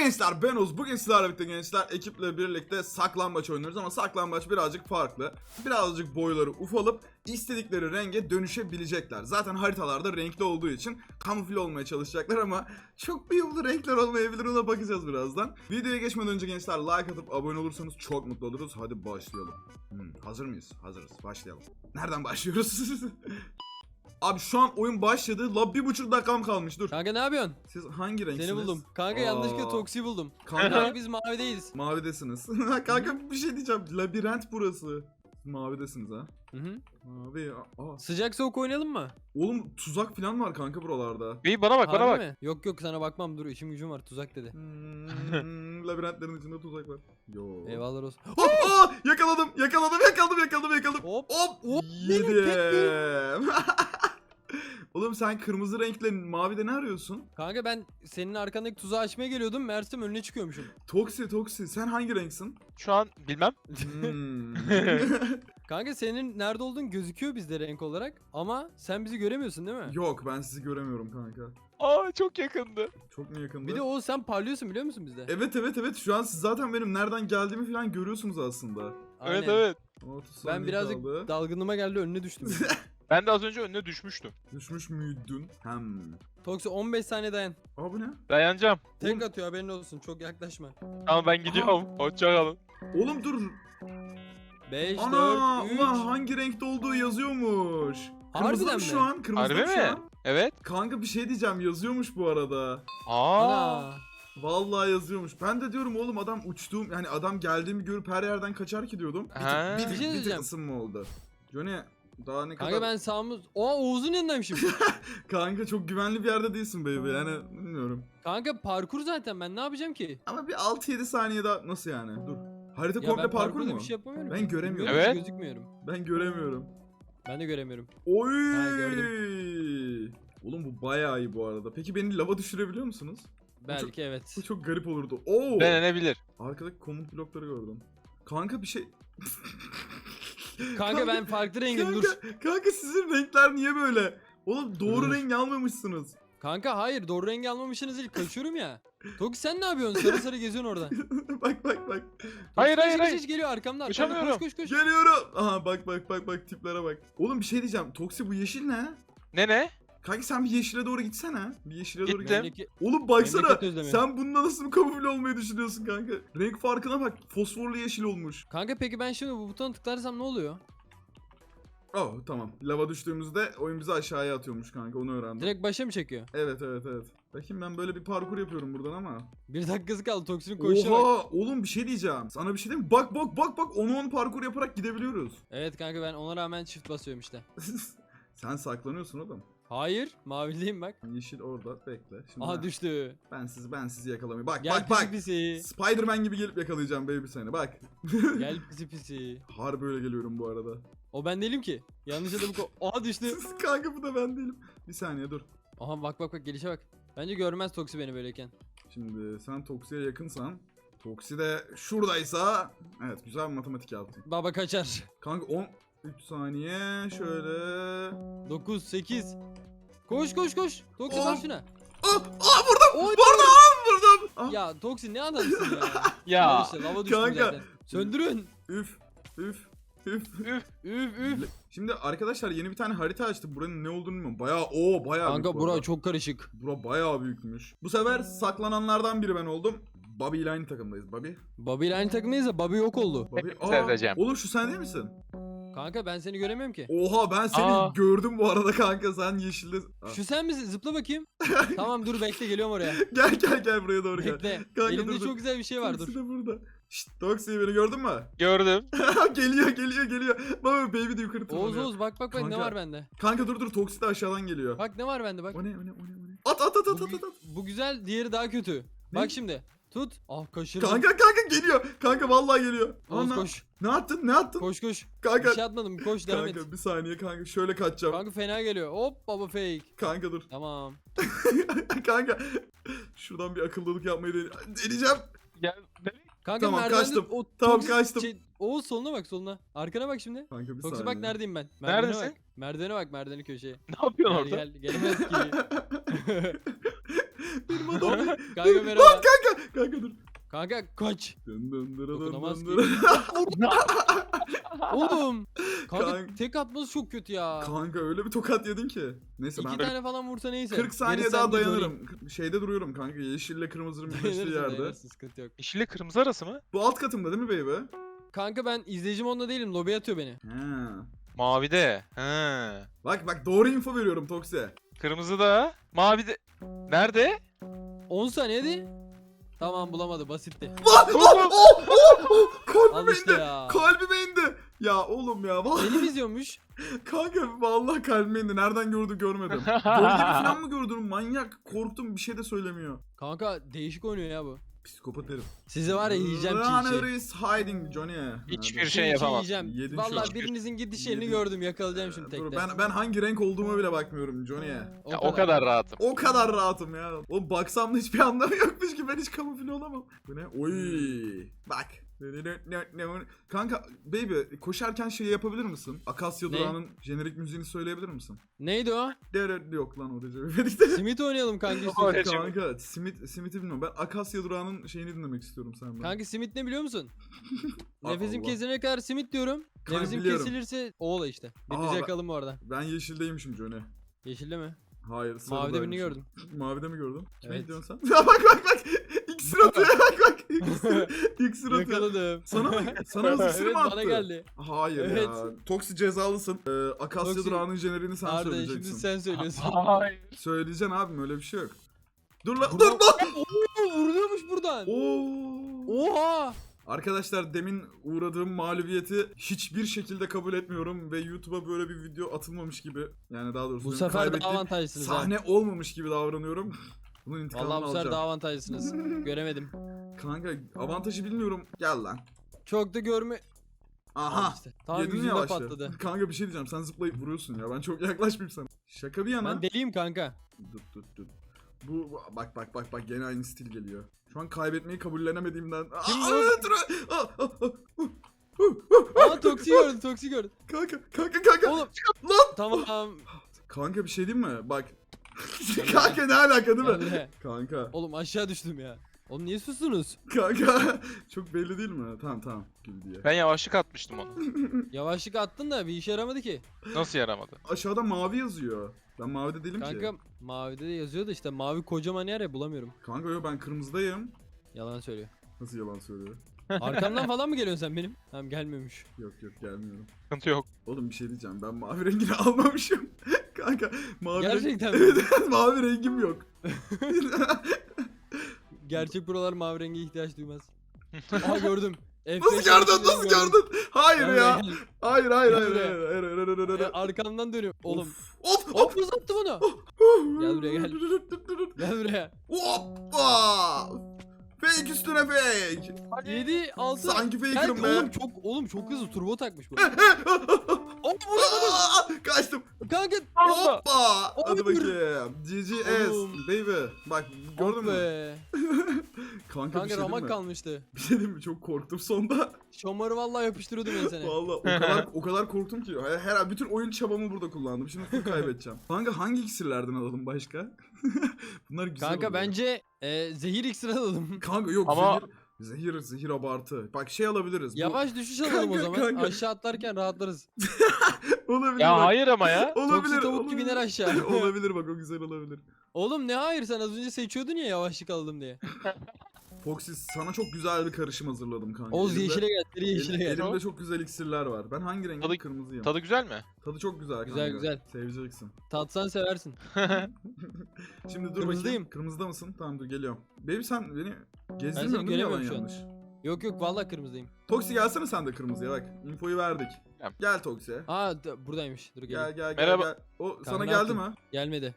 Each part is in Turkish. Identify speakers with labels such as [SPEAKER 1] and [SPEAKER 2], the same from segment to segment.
[SPEAKER 1] gençler, ben Oğuz. Bugün sizlerle birlikte gençler ekiple birlikte saklambaç oynuyoruz ama saklambaç birazcık farklı. Birazcık boyları ufalıp istedikleri renge dönüşebilecekler. Zaten haritalarda renkli olduğu için kamufle olmaya çalışacaklar ama çok uyumlu renkler olmayabilir, ona bakacağız birazdan. Videoya geçmeden önce gençler like atıp abone olursanız çok mutlu oluruz. Hadi başlayalım. Hazır mıyız? Hazırız. Başlayalım. Nereden başlıyoruz? Abi şu an oyun başladı. La 1,5 dakikam kalmış, dur.
[SPEAKER 2] Kanka ne yapıyorsun?
[SPEAKER 1] Siz hangi renksiniz?
[SPEAKER 2] Seni buldum. Kanka yanlışlıkla Toksi'yi buldum.
[SPEAKER 1] Kanka
[SPEAKER 2] Kanka biz mavideyiz.
[SPEAKER 1] mavidesiniz. Kanka bir şey diyeceğim. Labirent burası. Siz mavidesiniz ha.
[SPEAKER 2] Hı hı.
[SPEAKER 1] Mavi.
[SPEAKER 2] Sıcak soğuk oynayalım mı?
[SPEAKER 1] Oğlum tuzak falan var kanka buralarda.
[SPEAKER 3] İyi bana bak, bana
[SPEAKER 2] Harbi
[SPEAKER 3] bak.
[SPEAKER 2] mi? Yok yok sana bakmam, dur işim gücüm var, tuzak dedi.
[SPEAKER 1] Labirentlerin içinde tuzak var. Yo.
[SPEAKER 2] Eyvallah olsun.
[SPEAKER 1] Yakaladım.
[SPEAKER 2] Hop.
[SPEAKER 1] Hop.
[SPEAKER 2] benim
[SPEAKER 1] Yedim. Oğlum sen kırmızı renkle mavide ne arıyorsun?
[SPEAKER 2] Kanka ben senin arkandaki tuzağı açmaya geliyordum. Meğersem önüne çıkıyormuşum.
[SPEAKER 1] Toksi. Sen hangi renksin?
[SPEAKER 3] Şu an bilmem.
[SPEAKER 2] Kanka senin nerede olduğun gözüküyor bizde renk olarak. Ama sen bizi göremiyorsun değil mi?
[SPEAKER 1] Yok, ben sizi göremiyorum kanka.
[SPEAKER 3] Aa, çok yakındı.
[SPEAKER 1] Çok mu yakındı?
[SPEAKER 2] Bir de o sen parlıyorsun biliyor musun bizde?
[SPEAKER 1] Evet. Şu an siz zaten benim nereden geldiğimi falan görüyorsunuz aslında.
[SPEAKER 2] Aynen.
[SPEAKER 3] Evet.
[SPEAKER 1] 30
[SPEAKER 2] Ben
[SPEAKER 1] saniye
[SPEAKER 2] birazcık
[SPEAKER 1] kaldı.
[SPEAKER 2] dalgınlığıma geldi, önüne düştüm.
[SPEAKER 3] Ben de az önce önüne düşmüştüm.
[SPEAKER 1] Düşmüş müydün?
[SPEAKER 2] Toksi 15 saniye dayan.
[SPEAKER 1] Aa, bu ne?
[SPEAKER 3] Dayanacağım.
[SPEAKER 2] Tek atıyor, haberin olsun, çok yaklaşma.
[SPEAKER 3] Tamam, ben gidiyorum. Hoşçakalın.
[SPEAKER 1] Oğlum dur.
[SPEAKER 2] 5,
[SPEAKER 1] Ana
[SPEAKER 2] 4, 3.
[SPEAKER 1] ulan hangi renkte olduğu yazıyormuş. Kırmızı
[SPEAKER 2] Harbiden
[SPEAKER 1] mı
[SPEAKER 2] mi?
[SPEAKER 1] şu an? Kırmızı
[SPEAKER 3] Harbi
[SPEAKER 1] mı şu
[SPEAKER 3] mi?
[SPEAKER 1] an?
[SPEAKER 3] Evet.
[SPEAKER 1] Kanka bir şey diyeceğim, yazıyormuş bu arada.
[SPEAKER 3] Aa.
[SPEAKER 1] Vallahi yazıyormuş. Ben de diyorum oğlum adam uçtuğum, yani adam geldiğimi görüp her yerden kaçar ki diyordum.
[SPEAKER 3] Ha.
[SPEAKER 1] Bir
[SPEAKER 2] Bir şey
[SPEAKER 1] tık
[SPEAKER 2] diyeceğim.
[SPEAKER 1] ısınma oldu. Johnny daha ne kadar...
[SPEAKER 2] Kanka ben sağımız... Oğuz'un yanındaymışım.
[SPEAKER 1] Kanka çok güvenli bir yerde değilsin baby, yani bilmiyorum.
[SPEAKER 2] Kanka parkur zaten, ben ne yapacağım ki?
[SPEAKER 1] Ama bir 6-7 saniye daha nasıl yani? Dur. Harita
[SPEAKER 2] Ya
[SPEAKER 1] komple
[SPEAKER 2] ben
[SPEAKER 1] parkur
[SPEAKER 2] parkurda
[SPEAKER 1] mu?
[SPEAKER 2] bir şey yapamıyorum.
[SPEAKER 1] Ben göremiyorum.
[SPEAKER 2] Bilmiyorum,
[SPEAKER 3] Evet.
[SPEAKER 2] gözükmüyorum.
[SPEAKER 1] Ben göremiyorum.
[SPEAKER 2] Ben de göremiyorum.
[SPEAKER 1] Oy!
[SPEAKER 2] Ha, gördüm.
[SPEAKER 1] Oğlum bu bayağı iyi bu arada. Peki beni lava düşürebiliyor musunuz?
[SPEAKER 2] Belki evet.
[SPEAKER 1] Bu çok garip olurdu. Oo!
[SPEAKER 3] Denenebilir.
[SPEAKER 1] Arkadaki komut blokları gördüm. Kanka bir şey...
[SPEAKER 2] Kanka ben farklı rengim, dur.
[SPEAKER 1] Kanka sizin renkler niye böyle? Oğlum doğru
[SPEAKER 2] Dur.
[SPEAKER 1] rengi almamışsınız.
[SPEAKER 2] Kanka hayır, doğru rengi almamışsınız değil, kaçıyorum ya. Toki sen ne yapıyorsun? Sarı sarı geziyorsun orada.
[SPEAKER 1] bak.
[SPEAKER 3] Hayır,
[SPEAKER 2] Toki
[SPEAKER 3] hayır,
[SPEAKER 2] kaç
[SPEAKER 3] hayır.
[SPEAKER 2] geliyor arkamdan.
[SPEAKER 3] Uçamıyorum.
[SPEAKER 2] Koş.
[SPEAKER 1] Geliyorum. Aha bak tiplere bak. Oğlum bir şey diyeceğim. Toksi bu yeşil ne?
[SPEAKER 3] Ne?
[SPEAKER 1] Kanka sen bir yeşile doğru gitsene. Bir yeşile doğru
[SPEAKER 3] Gittim.
[SPEAKER 1] git. Oğlum baksana.
[SPEAKER 2] Memleket özlemi.
[SPEAKER 1] Sen bununla nasıl bir kamufle olmayı düşünüyorsun kanka? Renk farkına bak. Fosforlu yeşil olmuş.
[SPEAKER 2] Kanka peki ben şimdi bu butona tıklarsam ne oluyor?
[SPEAKER 1] Oh tamam. Lava düştüğümüzde oyun bizi aşağıya atıyormuş kanka, onu öğrendim.
[SPEAKER 2] Direkt başa mı çekiyor?
[SPEAKER 1] Evet. Bakayım ben böyle bir parkur yapıyorum buradan ama.
[SPEAKER 2] 1 dakikası kaldı, Toksi'nin koşuşuna bak.
[SPEAKER 1] Oha oğlum bir şey diyeceğim. Sana bir şey diyeyim mi? Bak 10 parkur yaparak gidebiliyoruz.
[SPEAKER 2] Evet kanka, ben ona rağmen çift basıyorum işte.
[SPEAKER 1] Sen saklanıyorsun oğlum.
[SPEAKER 2] Hayır, maviliyim bak.
[SPEAKER 1] Yeşil orada, bekle. Şimdi
[SPEAKER 2] Aha düştü.
[SPEAKER 1] ben sizi yakalamayayım. Bak
[SPEAKER 2] Gel
[SPEAKER 1] bak.
[SPEAKER 2] pisi.
[SPEAKER 1] Spider-Man gibi gelip yakalayacağım baby seni, bak.
[SPEAKER 2] Gel pisi.
[SPEAKER 1] Harbi öyle geliyorum bu arada.
[SPEAKER 2] O ben değilim ki. Yanlış adamı Aha düştü.
[SPEAKER 1] Kanka bu da ben değilim. Bir saniye dur.
[SPEAKER 2] Aha bak gelişe bak. Bence görmez Toksi beni böyleyken.
[SPEAKER 1] Şimdi sen Toksi'ye yakınsan. Toksi de şuradaysa. Evet, güzel bir matematik yaptın.
[SPEAKER 2] Baba kaçar.
[SPEAKER 1] Kanka 13 saniye şöyle.
[SPEAKER 2] 9, 8. Koş. Toksi bas şuna.
[SPEAKER 1] Vurdum.
[SPEAKER 2] Oy.
[SPEAKER 1] Vurdum. Ah.
[SPEAKER 2] Ya Toksi ne adamsın ya.
[SPEAKER 3] Ya.
[SPEAKER 2] İşte lava düştüm
[SPEAKER 1] Kanka.
[SPEAKER 2] zaten. Söndürün.
[SPEAKER 1] Üf.
[SPEAKER 2] Üf.
[SPEAKER 1] Şimdi arkadaşlar yeni bir tane harita açtık. Buranın ne olduğunu bilmiyorum. Bayağı
[SPEAKER 2] Kanka
[SPEAKER 1] büyük bu
[SPEAKER 2] bura
[SPEAKER 1] arada.
[SPEAKER 2] çok karışık.
[SPEAKER 1] Bura bayağı büyükmüş. Bu sefer saklananlardan biri ben oldum. Bobby ile aynı takımdayız.
[SPEAKER 2] Bobby ile aynı takımdayız da Bobby yok oldu.
[SPEAKER 1] Bobby.
[SPEAKER 3] Seveceğim.
[SPEAKER 1] Oğlum şu sen değil misin?
[SPEAKER 2] Kanka ben seni göremiyorum ki.
[SPEAKER 1] Oha ben seni
[SPEAKER 3] Aa.
[SPEAKER 1] gördüm bu arada kanka, sen yeşilde.
[SPEAKER 2] Şu sen misin? Zıpla bakayım. Tamam dur bekle, geliyorum oraya.
[SPEAKER 1] Gel buraya doğru gel.
[SPEAKER 2] Bekle.
[SPEAKER 1] Kanka,
[SPEAKER 2] Elimde
[SPEAKER 1] dur.
[SPEAKER 2] çok güzel bir şey var, dur.
[SPEAKER 1] Toksi de burada. Şşt Toksi, beni gördün mü?
[SPEAKER 3] Gördüm.
[SPEAKER 1] geliyor. Baba baby de yukarı tırmanıyor.
[SPEAKER 2] Oğuz bak ne
[SPEAKER 1] Kanka.
[SPEAKER 2] var bende.
[SPEAKER 1] Kanka dur Toksi de aşağıdan geliyor.
[SPEAKER 2] Bak ne var bende bak.
[SPEAKER 1] O ne? At.
[SPEAKER 2] Bu güzel, diğeri daha kötü.
[SPEAKER 1] Ne?
[SPEAKER 2] Bak şimdi. Tut. Ah kaşırdım.
[SPEAKER 1] Kanka geliyor. Kanka vallahi geliyor.
[SPEAKER 2] Oğuz
[SPEAKER 1] Ana.
[SPEAKER 2] koş.
[SPEAKER 1] Ne attın?
[SPEAKER 2] Koş.
[SPEAKER 1] Kanka.
[SPEAKER 2] Bir şey atmadım. Koş devam et.
[SPEAKER 1] Kanka bir saniye kanka, şöyle kaçacağım.
[SPEAKER 2] Kanka fena geliyor. Hop baba fake.
[SPEAKER 1] Kanka dur.
[SPEAKER 2] Tamam.
[SPEAKER 1] Kanka. Şuradan bir akıllılık yapmayı deneyeceğim.
[SPEAKER 3] Gel.
[SPEAKER 2] Kanka
[SPEAKER 1] Tamam,
[SPEAKER 2] merdivende
[SPEAKER 1] kaçtım.
[SPEAKER 2] o
[SPEAKER 1] Tamam,
[SPEAKER 2] toksik
[SPEAKER 1] kaçtım.
[SPEAKER 2] Oğuz soluna bak, soluna. Arkana bak şimdi.
[SPEAKER 1] Kanka bir
[SPEAKER 2] Toksi
[SPEAKER 1] saniye.
[SPEAKER 2] bak neredeyim ben.
[SPEAKER 3] Neredesin?
[SPEAKER 2] Merdivene bak merdiveni köşeye.
[SPEAKER 3] Ne yapıyorsun orada?
[SPEAKER 2] Gelemez ki.
[SPEAKER 1] Benim adam değil.
[SPEAKER 2] Kanka merhaba.
[SPEAKER 1] Kanka dur.
[SPEAKER 2] Kanka kaç.
[SPEAKER 1] Dın dın dırı dın
[SPEAKER 2] Dokunamaz
[SPEAKER 1] dın
[SPEAKER 2] ki.
[SPEAKER 1] dırı.
[SPEAKER 2] Oğlum. Kanka
[SPEAKER 1] Kanka.
[SPEAKER 2] tek atması çok kötü ya.
[SPEAKER 1] Kanka öyle bir tokat yedin ki. Neyse
[SPEAKER 2] İki
[SPEAKER 1] ben
[SPEAKER 2] tane falan vursa neyse.
[SPEAKER 1] 40 saniye
[SPEAKER 2] Gerisi
[SPEAKER 1] daha
[SPEAKER 2] sende
[SPEAKER 1] dayanırım. Şeyde duruyorum kanka. Yeşille kırmızının birleştiği
[SPEAKER 2] Dayanırsın,
[SPEAKER 1] yerde.
[SPEAKER 2] dayanırsın, sıkıntı yok.
[SPEAKER 3] Yeşille kırmızı arası mı?
[SPEAKER 1] Bu alt katımda değil mi baby?
[SPEAKER 2] Kanka ben izleyicim onda değilim. Lobiye atıyor beni.
[SPEAKER 1] He.
[SPEAKER 3] Mavide. He.
[SPEAKER 1] Bak doğru info veriyorum Toksi.
[SPEAKER 3] Kırmızı da. Mavide. Nerede?
[SPEAKER 2] 10 saniye hadi. Tamam bulamadı basitti.
[SPEAKER 1] Lan! Kalbime
[SPEAKER 2] Al işte
[SPEAKER 1] indi.
[SPEAKER 2] ya.
[SPEAKER 1] Kalbime indi. Ya oğlum ya. Vallahi.
[SPEAKER 2] Beni mi izliyormuş?
[SPEAKER 1] Kanka vallahi kalbime indi. Nereden gördü görmedim. Gölge falan mı gördün? Manyak. Korktum bir şey de söylemiyor.
[SPEAKER 2] Kanka değişik oynuyor ya bu.
[SPEAKER 1] Psikopat herif.
[SPEAKER 2] Sizi var ya yiyeceğim
[SPEAKER 1] Runner
[SPEAKER 2] çiğ
[SPEAKER 1] is hiding Johnny.
[SPEAKER 3] Hiçbir
[SPEAKER 1] Hadi.
[SPEAKER 3] şey
[SPEAKER 2] Çiğ
[SPEAKER 3] yapamam.
[SPEAKER 2] yiyeceğim.
[SPEAKER 1] Yedim şu
[SPEAKER 2] Valla
[SPEAKER 1] an.
[SPEAKER 2] birinizin gidiş yerini
[SPEAKER 1] Yedim.
[SPEAKER 2] gördüm. Yakalayacağım şimdi
[SPEAKER 1] Dur,
[SPEAKER 2] tekte.
[SPEAKER 1] ben hangi renk olduğuma bile bakmıyorum Johnny'e.
[SPEAKER 3] Ya, o kadar rahatım.
[SPEAKER 1] O kadar rahatım ya. Oğlum baksam da hiçbir anlamı yokmuş ki ben hiç kamufle olamam. Bu ne? Oy. Bak. Kanka baby koşarken şey yapabilir misin? Akasya
[SPEAKER 2] Ne?
[SPEAKER 1] Durağı'nın jenerik müziğini söyleyebilir misin?
[SPEAKER 2] Neydi o?
[SPEAKER 1] Yok lan o Recep İvedik'te.
[SPEAKER 2] Simit oynayalım kanka
[SPEAKER 3] Öyle
[SPEAKER 2] istiyorsan.
[SPEAKER 3] şey.
[SPEAKER 1] Kanka Simit'i bilmiyorum. Ben Akasya Durağı'nın şeyini dinlemek istiyorum senden.
[SPEAKER 2] Kanka simit ne biliyor musun?
[SPEAKER 1] Allah.
[SPEAKER 2] Nefesim kesilene kadar simit diyorum.
[SPEAKER 1] Kanka,
[SPEAKER 2] Nefesim
[SPEAKER 1] biliyorum.
[SPEAKER 2] kesilirse oğla işte.
[SPEAKER 1] Aa,
[SPEAKER 2] Bitti
[SPEAKER 1] ben-
[SPEAKER 2] yakalım orada.
[SPEAKER 1] Ben yeşildeymişim Johnny.
[SPEAKER 2] Yeşilde mi?
[SPEAKER 1] Hayır
[SPEAKER 2] Mavide birini
[SPEAKER 1] sarıdaymışım.
[SPEAKER 2] gördüm.
[SPEAKER 1] Mavide mi gördün? Kime
[SPEAKER 2] Evet.
[SPEAKER 1] gidiyorsun sen? Ya bak. İksir atıyor bak. İksir atıyor.
[SPEAKER 2] Yakaladım.
[SPEAKER 1] Sana mı? Sana hızlı iksir
[SPEAKER 2] Evet
[SPEAKER 1] mi attı?
[SPEAKER 2] bana geldi.
[SPEAKER 1] Hayır
[SPEAKER 2] Evet.
[SPEAKER 1] ya. Toksi cezalısın. Akasya
[SPEAKER 2] Toksi-
[SPEAKER 1] Durağı'nın jeneriğini sen
[SPEAKER 2] Arda şimdi
[SPEAKER 1] söyleyeceksin.
[SPEAKER 2] sen söylüyorsun.
[SPEAKER 3] Hayır.
[SPEAKER 1] Söyleyeceksin abim öyle bir şey yok. Dur lan dur
[SPEAKER 2] Buradan-
[SPEAKER 1] lan.
[SPEAKER 2] Oo, vuruyormuş buradan.
[SPEAKER 1] Oo.
[SPEAKER 2] Oha.
[SPEAKER 1] Arkadaşlar demin uğradığım mağlubiyeti hiçbir şekilde kabul etmiyorum ve YouTube'a böyle bir video atılmamış gibi, yani daha doğrusu
[SPEAKER 2] Bu
[SPEAKER 1] benim
[SPEAKER 2] sefer daha
[SPEAKER 1] kaybettiğim
[SPEAKER 2] avantajlısınız ha.
[SPEAKER 1] sahne olmamış gibi davranıyorum. Bunun intikamını
[SPEAKER 2] Vallahi bu sefer
[SPEAKER 1] alacağım.
[SPEAKER 2] daha avantajlısınız. Göremedim.
[SPEAKER 1] Kanka avantajı bilmiyorum. Gel lan.
[SPEAKER 2] Çok da görme...
[SPEAKER 1] Aha.
[SPEAKER 2] Al işte. Tam
[SPEAKER 1] Yedin
[SPEAKER 2] yüzünde
[SPEAKER 1] yavaşça.
[SPEAKER 2] patladı.
[SPEAKER 1] Kanka bir şey diyeceğim. Sen zıplayıp vuruyorsun ya. Ben çok yaklaşmayayım sana. Şaka bir yana.
[SPEAKER 2] Ben deliyim kanka.
[SPEAKER 1] Dur. Bak gene aynı stil geliyor. Şu an kaybetmeyi kabullenemediğimden.
[SPEAKER 2] Kim
[SPEAKER 1] Aa,
[SPEAKER 2] bu?
[SPEAKER 1] dur.
[SPEAKER 2] Aa toksi gördüm toksi gördüm.
[SPEAKER 1] Kanka.
[SPEAKER 2] Oğlum.
[SPEAKER 1] Lan.
[SPEAKER 2] Tamam.
[SPEAKER 1] Kanka bir şey diyeyim mi? Bak. Kanka ne alaka değil
[SPEAKER 2] Gel
[SPEAKER 1] mi?
[SPEAKER 2] buraya.
[SPEAKER 1] Kanka.
[SPEAKER 2] Oğlum aşağı düştüm ya. Oğlum niye sustunuz?
[SPEAKER 1] Kanka. Çok belli değil mi? Tamam. Gibi diye.
[SPEAKER 3] Ben yavaşlık atmıştım onu.
[SPEAKER 2] Yavaşlık attın da bir işe yaramadı ki.
[SPEAKER 3] Nasıl yaramadı?
[SPEAKER 1] Aşağıda mavi yazıyor. Ben mavide değilim
[SPEAKER 2] Kanka
[SPEAKER 1] ki.
[SPEAKER 2] mavide de yazıyor da işte mavi kocaman yer ya bulamıyorum.
[SPEAKER 1] Kanka yo ben kırmızıdayım.
[SPEAKER 2] Yalan söylüyor.
[SPEAKER 1] Nasıl yalan söylüyor?
[SPEAKER 2] Arkamdan falan mı geliyorsun sen benim? Tamam gelmiyormuş.
[SPEAKER 1] Yok gelmiyorum.
[SPEAKER 3] Sıkıntı yok.
[SPEAKER 1] Oğlum bir şey diyeceğim. Ben mavi rengini almamışım. Kanka mavi
[SPEAKER 2] Gerçekten mi?
[SPEAKER 1] Evet mavi rengim yok.
[SPEAKER 2] Gerçek buralar mavi renge ihtiyaç duymaz. Aa gördüm.
[SPEAKER 1] Nasıl
[SPEAKER 2] F5
[SPEAKER 1] gördün? Hayır
[SPEAKER 2] Gel
[SPEAKER 1] ya.
[SPEAKER 2] buraya,
[SPEAKER 1] Hayır.
[SPEAKER 2] Gel buraya.
[SPEAKER 1] Hayır.
[SPEAKER 2] Arkamdan dönüyorum. Oğlum.
[SPEAKER 1] Of.
[SPEAKER 2] Hop uzattı bunu. Gel buraya, gel. Gel buraya.
[SPEAKER 1] Hoppa. Fake üstüne fake.
[SPEAKER 2] 7 6
[SPEAKER 1] Sanki faker'ım be.
[SPEAKER 2] Oğlum çok hızlı turbo takmış bu. Hop
[SPEAKER 1] Kaçtım.
[SPEAKER 2] kanka.
[SPEAKER 1] Hoppa. Hadi
[SPEAKER 2] Oğlum.
[SPEAKER 1] bakayım. GGS
[SPEAKER 2] Oğlum.
[SPEAKER 1] baby. Bak gördün
[SPEAKER 2] Hop
[SPEAKER 1] mü?
[SPEAKER 2] be.
[SPEAKER 1] Kanka bir
[SPEAKER 2] Kanka
[SPEAKER 1] şey diyeyim
[SPEAKER 2] ramak
[SPEAKER 1] mi?
[SPEAKER 2] kalmıştı.
[SPEAKER 1] Bir şey diyeyim mi? Çok korktum sonda.
[SPEAKER 2] Şomarı vallahi yapıştırıyordum ben seni.
[SPEAKER 1] Vallahi o kadar korktum ki. Her bütün oyun çabamı burada kullandım. Şimdi full kaybedeceğim. Kanka hangi iksirlerden alalım başka? Bunlar güzel
[SPEAKER 2] Kanka
[SPEAKER 1] oluyor.
[SPEAKER 2] bence zehir iksiri alalım.
[SPEAKER 1] Kanka yok
[SPEAKER 3] Ama-
[SPEAKER 1] zehir abartı. Bak şey alabiliriz. Bu-
[SPEAKER 2] Yavaş düşüş alalım o
[SPEAKER 1] Kanka,
[SPEAKER 2] zaman.
[SPEAKER 1] kanka.
[SPEAKER 2] Aşağı atlarken rahatlarız.
[SPEAKER 1] olabilir
[SPEAKER 3] Ya
[SPEAKER 1] bak.
[SPEAKER 3] hayır ama ya.
[SPEAKER 2] Toksi
[SPEAKER 1] Olabilir.
[SPEAKER 2] tavuk gibi iner aşağı.
[SPEAKER 1] olabilir bak o güzel olabilir.
[SPEAKER 2] Oğlum ne hayır sen az önce seçiyordun ya yavaşlık alalım diye.
[SPEAKER 1] Foxy sana çok güzel bir karışım hazırladım kanka.
[SPEAKER 2] Oğuz
[SPEAKER 1] Elimde-
[SPEAKER 2] yeşile gel, seri yeşile gel.
[SPEAKER 1] Elimde çok güzel iksirler var. Ben hangi rengim?
[SPEAKER 3] Tadı-
[SPEAKER 1] Kırmızıyım.
[SPEAKER 3] Tadı güzel mi?
[SPEAKER 1] Tadı çok güzel kanka.
[SPEAKER 2] Güzel, güzel.
[SPEAKER 1] Seveceksin.
[SPEAKER 2] Tatsan seversin.
[SPEAKER 1] Şimdi dur
[SPEAKER 2] Kırmızıdayım.
[SPEAKER 1] bakayım. Kırmızıda mısın? Tamam dur geliyorum. Baby sen beni
[SPEAKER 2] Ben
[SPEAKER 1] gezdirmiyorsun
[SPEAKER 2] seni
[SPEAKER 1] değil mi yalan
[SPEAKER 2] göremiyorum şu an.
[SPEAKER 1] yanlış?
[SPEAKER 2] Yok vallahi kırmızıyım.
[SPEAKER 1] Toksi gelsene sen de kırmızıya bak. Infoyu verdik.
[SPEAKER 3] Tamam.
[SPEAKER 1] Gel Toksi.
[SPEAKER 2] Aa buradaymış. Dur geleyim.
[SPEAKER 1] Gel
[SPEAKER 3] Merhaba.
[SPEAKER 1] gel. O sana
[SPEAKER 2] ne
[SPEAKER 1] geldi
[SPEAKER 2] yaptın?
[SPEAKER 1] mi?
[SPEAKER 2] Gelmedi.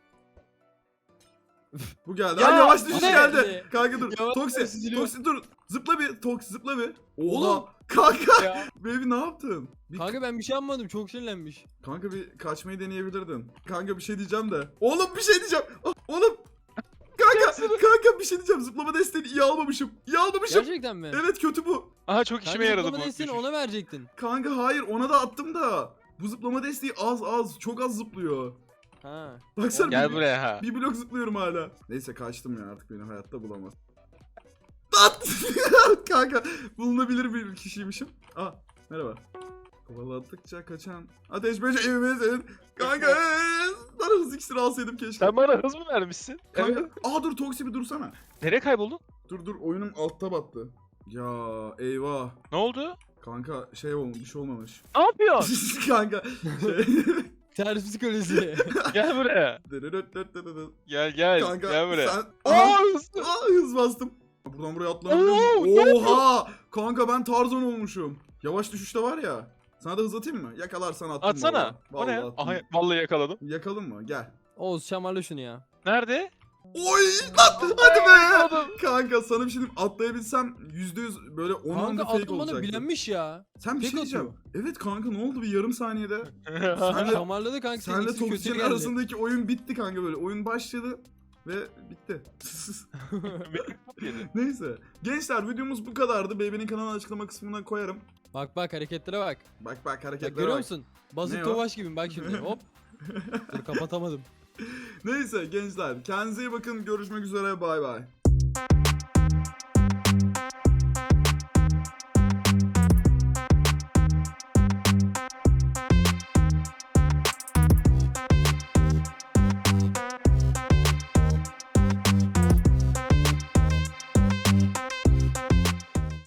[SPEAKER 1] Bu geldi.
[SPEAKER 3] Ya,
[SPEAKER 1] Ay yavaş düşüş
[SPEAKER 2] bu ne
[SPEAKER 1] geldi.
[SPEAKER 2] geldi?
[SPEAKER 1] Kanka dur.
[SPEAKER 2] Yavaş
[SPEAKER 1] Toksi.
[SPEAKER 2] süzülüyor.
[SPEAKER 1] Toksi dur. Zıpla bir. Toksi zıpla bir. Oha.
[SPEAKER 2] Oğlum.
[SPEAKER 1] Kanka.
[SPEAKER 3] Ya.
[SPEAKER 1] Baby ne yaptın?
[SPEAKER 2] Kanka ben bir şey yapmadım. Çok sinirlenmiş.
[SPEAKER 1] Kanka bir kaçmayı deneyebilirdin. Kanka bir şey diyeceğim de. Oğlum bir şey diyeceğim. Ah, oğlum. Kanka bir şey diyeceğim. Zıplama desteğini iyi almamışım. İyi almamışım.
[SPEAKER 2] Gerçekten mi?
[SPEAKER 1] Evet kötü bu.
[SPEAKER 3] Aha çok işime yaradı bu.
[SPEAKER 2] Zıplama desteğini ona verecektin.
[SPEAKER 1] Kanka hayır ona da attım da. Bu zıplama desteği az çok az zıplıyor.
[SPEAKER 2] Ha.
[SPEAKER 1] Baksana
[SPEAKER 3] Gel
[SPEAKER 1] bir,
[SPEAKER 3] buraya ha.
[SPEAKER 1] bir blok zıplıyorum hala. Neyse kaçtım ya, artık beni hayatta bulamaz. At! Kanka bulunabilir bir kişiymişim. Aa merhaba. Kovaladıkça kaçan ateş böceğimizin. Kanka bana hızlı iksiri alsaydım keşke.
[SPEAKER 3] Sen bana hız mı vermişsin?
[SPEAKER 1] Kanka
[SPEAKER 3] Evet.
[SPEAKER 1] dur Toksi bir dursana.
[SPEAKER 3] Nereye kayboldun?
[SPEAKER 1] Dur oyunum altta battı. Ya eyvah.
[SPEAKER 3] Ne oldu?
[SPEAKER 1] Kanka şey olmuş, bir şey olmamış.
[SPEAKER 3] Ne yapıyorsun?
[SPEAKER 1] Kanka şey.
[SPEAKER 2] Ters psikoloji.
[SPEAKER 3] Gel buraya. Gel
[SPEAKER 1] Kanka
[SPEAKER 3] gel buraya.
[SPEAKER 1] sen...
[SPEAKER 3] Oo,
[SPEAKER 1] Aha,
[SPEAKER 3] hızlı.
[SPEAKER 1] hız bastım. Buradan buraya atlanabiliyor
[SPEAKER 3] Oo,
[SPEAKER 1] muyum?
[SPEAKER 3] ne
[SPEAKER 1] Oha! Kanka ben Tarzan olmuşum. Yavaş düşüşte var ya. Sana da hız atayım mı? Yakalarsan attım.
[SPEAKER 3] Atsana. O ne?
[SPEAKER 1] Vallahi attım.
[SPEAKER 3] Aha, vallahi yakaladım.
[SPEAKER 1] Yakalım mı? Gel.
[SPEAKER 2] Oğuz şamarla şunu ya.
[SPEAKER 3] Nerede?
[SPEAKER 1] Oy! Lan, hadi be!
[SPEAKER 3] Yakaladım.
[SPEAKER 1] Kanka sana bir şey diyeyim. Atlayabilsem %100 böyle 10
[SPEAKER 2] Kanka
[SPEAKER 1] anda fake
[SPEAKER 2] altın bana
[SPEAKER 1] olacaktı.
[SPEAKER 2] bilenmiş ya.
[SPEAKER 1] Sen bir
[SPEAKER 2] Tek
[SPEAKER 1] şey diyeceğim. Evet kanka ne oldu bir yarım saniyede? Senle,
[SPEAKER 2] Şamarladı kanka senin
[SPEAKER 1] senle
[SPEAKER 2] ikisi kötü
[SPEAKER 1] Toksi'nin
[SPEAKER 2] geldi.
[SPEAKER 1] arasındaki oyun bitti kanka böyle. Oyun başladı ve bitti. Neyse. Gençler videomuz bu kadardı. Baby'nin kanalını açıklama kısmına koyarım.
[SPEAKER 2] Bak hareketlere bak.
[SPEAKER 1] Bak
[SPEAKER 2] Bak
[SPEAKER 1] hareketlere
[SPEAKER 2] görüyor
[SPEAKER 1] bak.
[SPEAKER 2] musun?
[SPEAKER 1] Ne
[SPEAKER 2] Bazı
[SPEAKER 1] o?
[SPEAKER 2] tovaş gibiyim bak şimdi. Hop. Dur kapatamadım.
[SPEAKER 1] Neyse gençler kendinize iyi bakın. Görüşmek üzere. Bay bay.